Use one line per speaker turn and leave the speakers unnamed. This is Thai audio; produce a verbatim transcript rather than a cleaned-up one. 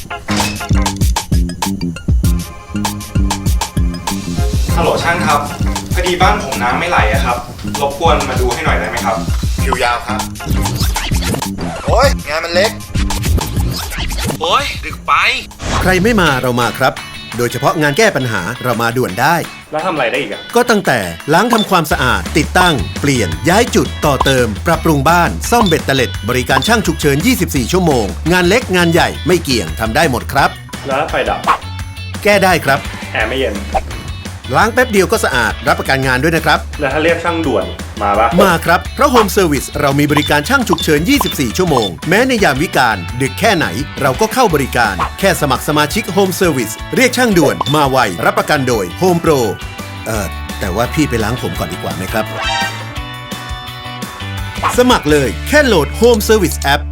ฮัลโหลช่างครับพอดีบ้านผมน้ำไม่ไหลอะครับรบกวนมาดูให้หน่อยได้ไหมครับ
คิวยาวครับโอ้ยงานมันเล็ก
โอ้ยดึกไป
ใครไม่มาเรามาครับโดยเฉพาะงานแก้ปัญหาเรามาด่วนได้
แล้วทำอะไรได้อีกอะ
ก็ตั้งแต่ล้างทำความสะอาดติดตั้งเปลี่ยนย้ายจุดต่อเติมปรับปรุงบ้านซ่อมเบ็ดเตล็ดบริการช่างฉุกเฉินยี่สิบสี่ชั่วโมงงานเล็กงานใหญ่ไม่เกี่ยงทำได้หมดครับ
แล้วไฟดับ
แก้ได้ครับ
แอร์ไม่เย็น
ล้างแป๊บเดียวก็สะอาดรับประกันงานด้วยนะครับ
แล้วถ้าเรียกช่างด่วนมาปะ
มาครับเพราะโฮมเซอร์วิสเรามีบริการช่างฉุกเฉินยี่สิบสี่ชั่วโมงแม้ในยามวิกาลดึกแค่ไหนเราก็เข้าบริการแค่สมัครสมาชิกโฮมเซอร์วิสเรียกช่างด่วนมาไวรับประกันโดยโฮมโปรเอ่อแต่ว่าพี่ไปล้างผมก่อนดีกว่าไหมครับสมัครเลยแค่โหลด Home Service App